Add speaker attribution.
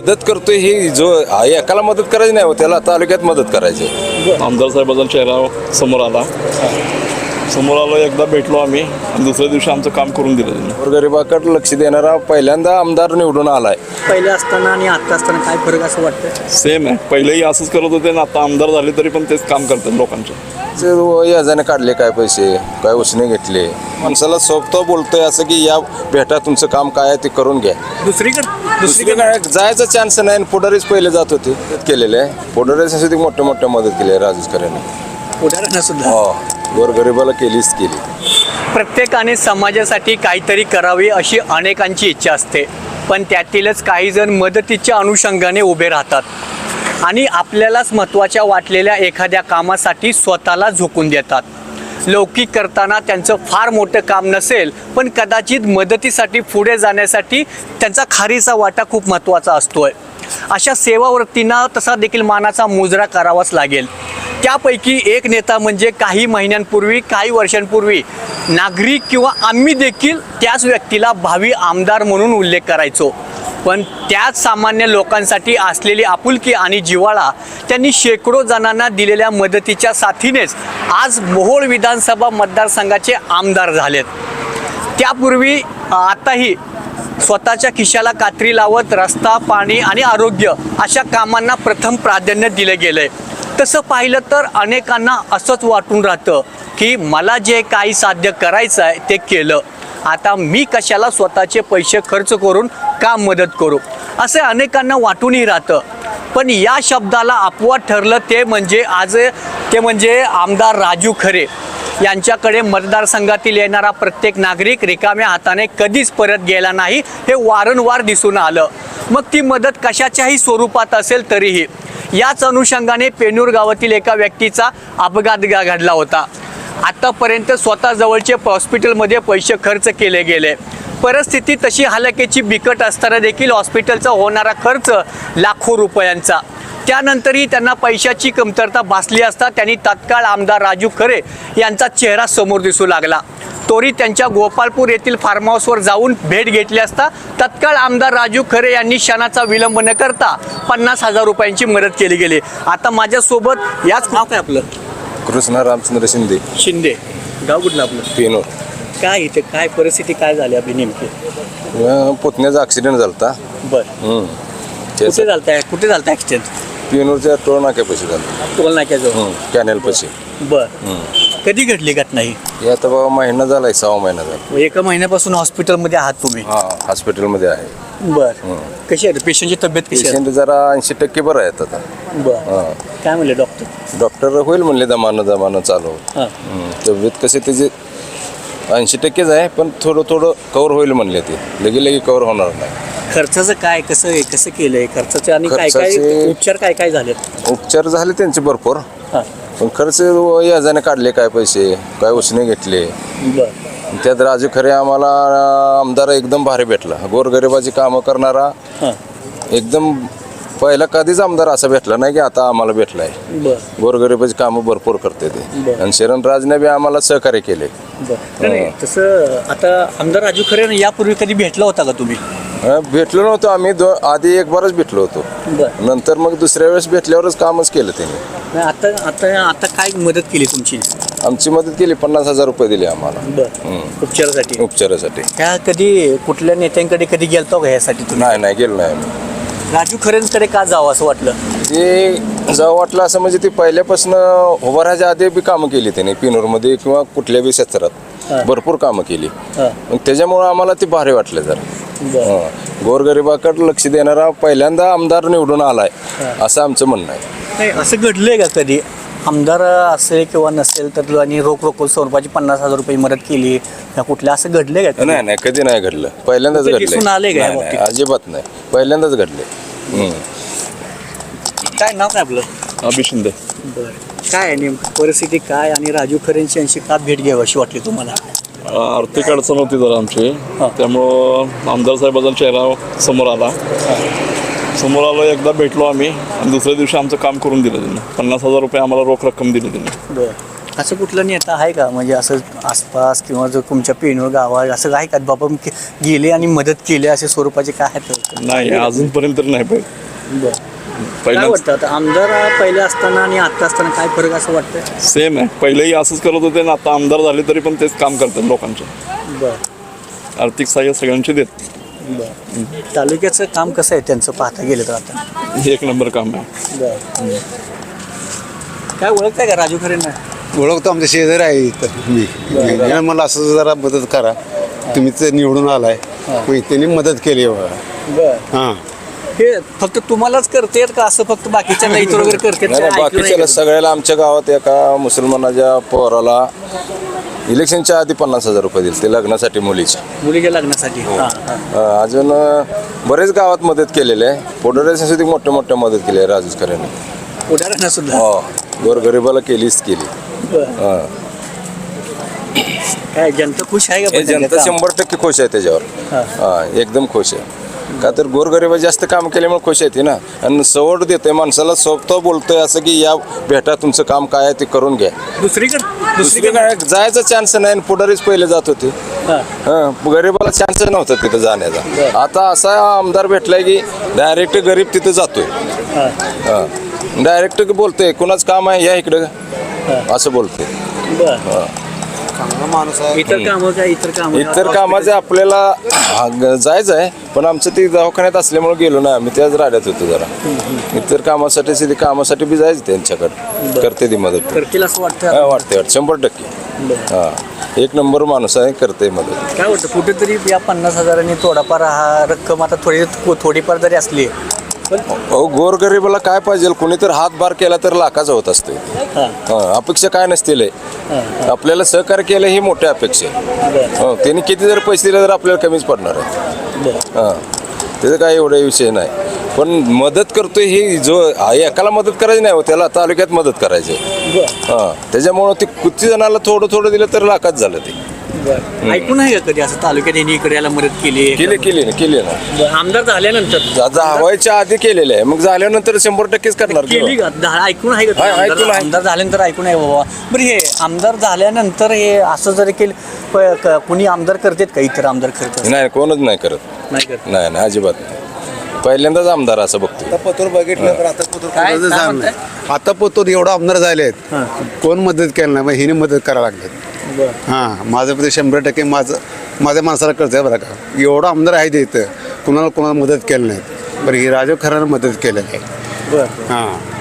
Speaker 1: मदत करतोय ही जो एकाला मदत करायची नाही, त्याला तालुक्यात मदत करायची.
Speaker 2: आमदार साहेबांचा चेहरा समोर आला, एकदा भेटलो आम्ही आणि दुसऱ्या दिवशी आमचं काम करून दिलं त्यांनी.
Speaker 1: गोरगरिबाकडे लक्ष देणारा पहिल्यांदा आमदार निवडून आलाय.
Speaker 3: पहिले असताना आणि आता असताना काय फरक असं वाटतं?
Speaker 2: सेम आहे, पहिलेही असंच करत होते ना, आता आमदार झाले तरी पण तेच काम करतात लोकांचे.
Speaker 1: याजाने काढले काय पैसे, काय उसने घेतले. माणसाला स्वतः बोलतोय असं की या भेटा, तुमचं काम काय आहे ते करून घ्या. दुसरीकडे जायचा चान्स नाही. पुढारीच पहिले जात होते, केलेले आहे. पुढाऱ्यासाठी मोठ्या मदत केली आहे राजकारण्याने.
Speaker 3: पुढाऱ्यांना सुद्धा
Speaker 1: हो, गोरगरिबाला केलीच केली.
Speaker 3: प्रत्येकाने समाजासाठी काहीतरी करावे अशी अनेकांची इच्छा असते, पण त्यातीलच काही जण मदतीच्या अनुषंगाने उभे राहतात आणि आपल्यालाच महत्त्वाच्या वाटलेल्या एखाद्या कामासाठी स्वतःला झोकून देतात. लौकिक करताना त्यांचं फार मोठं काम नसेल, पण कदाचित मदतीसाठी पुढे जाण्यासाठी त्यांचा खारीचा वाटा खूप महत्त्वाचा असतोय. अशा सेवावृत्तींना तसा देखील मानाचा मुजरा करावाच लागेल. त्यापैकी एक नेता म्हणजे काही महिन्यांपूर्वी, काही वर्षांपूर्वी नागरिक किंवा आम्ही देखील त्याच व्यक्तीला भावी आमदार म्हणून उल्लेख करायचो. पण त्याच सामान्य लोकांसाठी असलेली आपुलकी आणि जिव्हाळा त्यांनी शेकडो जणांना दिलेल्या मदतीच्या साथीनेच आज मोहोळ विधानसभा मतदारसंघाचे आमदार झालेत. त्यापूर्वी आताही स्वतःच्या खिशाला कात्री लावत रस्ता, पाणी आणि आरोग्य अशा कामांना प्रथम प्राधान्य दिले गेले. तसं पाहिलं तर अनेकांना असंच वाटून राहतं की मला जे काही साध्य करायचं आहे ते केलं, आता मी कशाला स्वतःचे पैसे खर्च करून का मदत करू, असे अनेकांना वाटूनही राहतं. पण या शब्दाला अपवाद ठरलं ते म्हणजे आमदार राजू खरे यांच्याकडे मतदारसंघातील येणारा प्रत्येक नागरिक रिकाम्या हाताने कधीच परत गेला नाही, हे वारंवार दिसून आलं. मग ती मदत कशाच्याही स्वरूपात असेल तरीही. याच अनुषंगाने पेनूर गावातील एका व्यक्तीचा अपघात घडला होता. आतापर्यंत स्वतः जवळचे हॉस्पिटलमध्ये पैसे खर्च केले गेले. परिस्थिती तशी हलाखीची बिकट असताना देखील हॉस्पिटलचा होणारा खर्च लाखो रुपयांचा. त्यानंतरही त्यांना पैशाची कमतरता भासली असता त्यांनी तत्काळ आमदार राजू खरे यांचा चेहरा समोर दिसू लागला. तोरी त्यांच्या गोपालपूर येथील फार्म हाऊसवर जाऊन भेट घेतली असता तत्काळ आमदार राजू खरे यांनी क्षणाचा विलंब न करता 50,000 रुपयांची मदत केली गेली. आता माझ्यासोबत याच नाव काय आपलं?
Speaker 1: कृष्णा रामचंद्र
Speaker 3: शिंदे. गाव कुठलं आपलं?
Speaker 1: पेनूर.
Speaker 3: काय इथे काय परिस्थिती काय झाली आपली नेमकी?
Speaker 1: पुतण्याचा ऍक्सिडेंट झालता.
Speaker 3: बरं, कुठे झालता ऍक्सिडेंट?
Speaker 1: पेनूरच्या टोल नाक्यापाशी झालं.
Speaker 3: टोल नाक्याजवळ,
Speaker 1: कॅनेल पाशी.
Speaker 3: बरं, कधी घडली घटना ही?
Speaker 1: हे आता बाबा महिना झालाय, 6 महिना झाला.
Speaker 3: एका महिन्यापासून हॉस्पिटलमध्ये आहात तुम्ही?
Speaker 1: हा, हॉस्पिटलमध्ये आहे.
Speaker 3: बरं, कशी आहे पेशंटची तब्येत? कशी आहे?
Speaker 1: पेशंट जरा 80% बरं आहेत आता.
Speaker 3: बरं, काय म्हणले डॉक्टर?
Speaker 1: डॉक्टर होईल म्हणले दमानं चालू. तब्येत कशी त्याची 80%च आहे, पण थोडं कव्हर होईल म्हणले. ते लगे कव्हर होणार नाही.
Speaker 3: खर्चाचं काय कसं केलंय खर्चाचं आणि काय उपचार काय झाले?
Speaker 1: उपचार झाले त्यांचे भरपूर,
Speaker 3: हां,
Speaker 1: पण खर्च याजाने काढले काय पैसे, काय उसने घेतले.
Speaker 3: बरं,
Speaker 1: त्यात राजू खरे आम्हाला आमदार एकदम भारी भेटला. गोरगरिबाची कामं करणारा
Speaker 3: हां,
Speaker 1: एकदम पहिला कधीच आमदार असा भेटला नाही की आता आम्हाला भेटलाय.
Speaker 3: बरं,
Speaker 1: गोरगरिबाची कामं भरपूर करते ते.
Speaker 3: बरं.
Speaker 1: आणि शरणराजने बी आम्हाला सहकार्य केले.
Speaker 3: बरं. नाही तसं आता आमदार राजू खरे यापूर्वी कधी भेटला होता का तुम्ही?
Speaker 1: भेटलो नव्हतो आम्ही. आधी एक बारच भेटलो होतो.
Speaker 3: बरं,
Speaker 1: नंतर मग दुसऱ्या वेळेस भेटल्यावरच कामच केलं त्यांनी.
Speaker 3: नाही आता काय मदत केली तुमची?
Speaker 1: आमची मदत केली, 50,000 रुपये दिले आम्हाला.
Speaker 3: बरं, उपचारासाठी.
Speaker 1: त्या
Speaker 3: कधी कुठल्या नेत्यांकडे कधी गेलतो का यासाठी तुम्ही?
Speaker 1: नाही गेलो नाही आम्ही.
Speaker 3: राजू खरेंकडे का जावं असं वाटलं?
Speaker 1: ते जावं वाटलं असं म्हणजे ते पहिल्यापासून उभं राहायच्या आधी बी कामं केली त्यांनी पेनूरमध्ये किंवा कुठल्या बी क्षेत्रात भरपूर कामं केली. मग त्याच्यामुळं आम्हाला ते भारी वाटलं जरा. गोरगरिबाकडे लक्ष देणारा पहिल्यांदा आमदार निवडून आलाय, असं आमचं म्हणणं आहे.
Speaker 3: नाही असं घडलंय का कधी आमदार असेल किंवा नसेल तर आणि रोख स्वरूपाची 50,000 रुपये मदत केली कुठल्या, असं घडलंय का?
Speaker 1: नाही कधी नाही घडलं, पहिल्यांदाच घडलं. अजिबात नाही, पहिल्यांदाच घडले.
Speaker 3: काय नाव काय आपलं?
Speaker 2: अभि शिंदे.
Speaker 3: बरं, काय आहे नेमकं परिस्थिती काय आणि राजू खरेंची यांची का भेट घ्यावी अशी वाटली तुम्हाला?
Speaker 2: आर्थिक अडचण होती जरा आमची, त्यामुळं आमदार साहेबांचा चेहरा समोर आला. एकदा भेटलो आम्ही आणि दुसऱ्या दिवशी आमचं काम करून दिलं त्यांनी. 50,000 रुपये आम्हाला रोख रक्कम दिली त्यांनी.
Speaker 3: बरं, असं कुठलं नेता आहे का म्हणजे असं आसपास किंवा जो तुमच्या पेनूर गावात असं आहे का बाबा गेले आणि मदत केली असे स्वरूपाचे काय आहेत?
Speaker 2: नाही अजूनपर्यंत तर नाही
Speaker 3: काय
Speaker 2: पहिलं
Speaker 3: वाटतं आता आमदार पहिले असताना आणि आता असताना काय फरक असं वाटतं?
Speaker 2: सेम आहे. पहिलेही असंच करत होते ना, आता आमदार झाले तरी पण तेच काम करतात लोकांचे.
Speaker 3: बरं
Speaker 2: आर्थिक सहाय्य सगळ्यांचे देत.
Speaker 3: बरं. तालुक्याचं काम कसं आहे त्यांचं पाहता गेलं तर आता?
Speaker 2: एक नंबर काम आहे.
Speaker 3: बरं. काय ओळखताय का राजू खरेंना?
Speaker 4: ओळखतो, आमच्या शेजारी आहे इथं मी मला असं जरा मदत करा, तुम्ही ते निवडून आलाय मग त्यांनी मदत केली
Speaker 3: बरं.
Speaker 4: हां.
Speaker 3: हे फक्त तुम्हालाच करतेत का असं फक्त बाकीच्या नाही वगैरे करतेत?
Speaker 1: नाही
Speaker 3: काय ऐकलं
Speaker 1: बाकीच्याला
Speaker 3: नाही?
Speaker 1: सगळ्याला आमच्या गावात एका मुसलमानाच्या पोराला इलेक्शनच्या आधी 50,000 रुपये दिले ते लग्नासाठी मुलीच्या.
Speaker 3: मुलीच्या लग्नासाठी हां, हां.
Speaker 1: अजून बरेच गावात मदत केलेली आहे. पुढाऱ्यासाठी सुद्धा मोठ्या मदत केली आहे राजेश खऱ्याने.
Speaker 3: पुढाऱ्यांना सुद्धा
Speaker 1: हो गोरगरिबाला केलीच केली.
Speaker 3: बरं.
Speaker 1: हां.
Speaker 3: काय जनता खुश आहे का
Speaker 1: हे
Speaker 3: पण त्यांच्या
Speaker 1: जनता
Speaker 3: काम?
Speaker 1: 100% खुश आहे त्याच्यावर.
Speaker 3: हां.
Speaker 1: हां एकदम खुश आहे. का तर गोरगरिबा जास्त काम केल्यामुळे खुश आहे ना, आणि सवड देते माणसाला, स्वतः बोलतोय असं की या भेटा तुमचं काम काय आहे ते करून घ्या. दुसरीकडे काय जायचा चान्स नाही आणि पुढारीच पहिले जात होते.
Speaker 3: हां.
Speaker 1: गरीबाला चान्स नव्हता तिथं जाण्याचा. आता असा आमदार भेटलाय की डायरेक्ट गरीब तिथं जातोय.
Speaker 3: हां.
Speaker 1: डायरेक्ट बोलतोय कुणाच काम आहे या इकडं असं बोलतोय.
Speaker 3: बरं. इतर कामं काय
Speaker 1: इतर कामाचे आपल्याला जायचं आहे, पण आमचं ते दवाखान्यात असल्यामुळे गेलो ना आम्ही, त्याच राड्यात होतो जरा. इतर कामासाठी बी जायचं त्यांच्याकडे, करते ती मदत.
Speaker 3: करतील असं वाटतं?
Speaker 1: हा, वाटते 100%. हा एक नंबर माणूस आहे, करते मदत.
Speaker 3: काय वाटतं कुठेतरी या 50,000 थोडाफार हा रक्कम आता थोडीफार जरी असली
Speaker 1: अहो गोरगरिबाला काय पाहिजे, कोणीतरी हातभार केला तर लाखाचा होत असते. अपेक्षा काय नसतील, आपल्याला सहकार्य केलं ही मोठी अपेक्षा आहे. त्यांनी किती जर पैसे दिले तर आपल्याला कमीच पडणार आहे. त्याचं काय एवढा विषय नाही, पण मदत करतोय ही जो एकाला मदत करायची नाही हो, त्याला तालुक्यात मदत करायची. त्याच्यामुळं ते किती जणाला थोडं दिलं तर लाखात झालं ते.
Speaker 3: ऐकून आहे का कधी असं तालुक्यात यांनी इकडे याला मदत
Speaker 1: केली ना.
Speaker 3: आमदार झाल्यानंतर
Speaker 1: व्हायच्या आधी केलेलं आहे, मग झाल्यानंतर 100%च करणार.
Speaker 3: केली का? ऐकून आहे का?
Speaker 1: ऐकून आहे.
Speaker 3: आमदार झाल्यानंतर ऐकून आहे बाबा. बरं हे आमदार झाल्यानंतर हे असं जरी केलं कुणी आमदार करतात का? इतर आमदार करतात?
Speaker 1: नाही कोणच नाही करत.
Speaker 3: नाही करत.
Speaker 1: नाही अजिबात नाही. पहिल्यांदाच आमदार असं बघतो.
Speaker 4: आता पतोर बघितलं तर आता पतोर
Speaker 3: काय
Speaker 4: कोणाचं झालं
Speaker 3: म्हणताय?
Speaker 4: नाही. आता पतोर एवढा आमदार झाले आहेत, कोण मदत केलं नाही, मग हिने मदत करायला लागलेत. हां माझं ते 100% माझ्या माणसाला कळतं आहे बरं का. एवढा आमदार आहे ते इथं, कुणाला मदत केलं नाही. बरं ही राजू खऱ्यानं मदत केलेली आहे.
Speaker 3: बरं.
Speaker 4: हां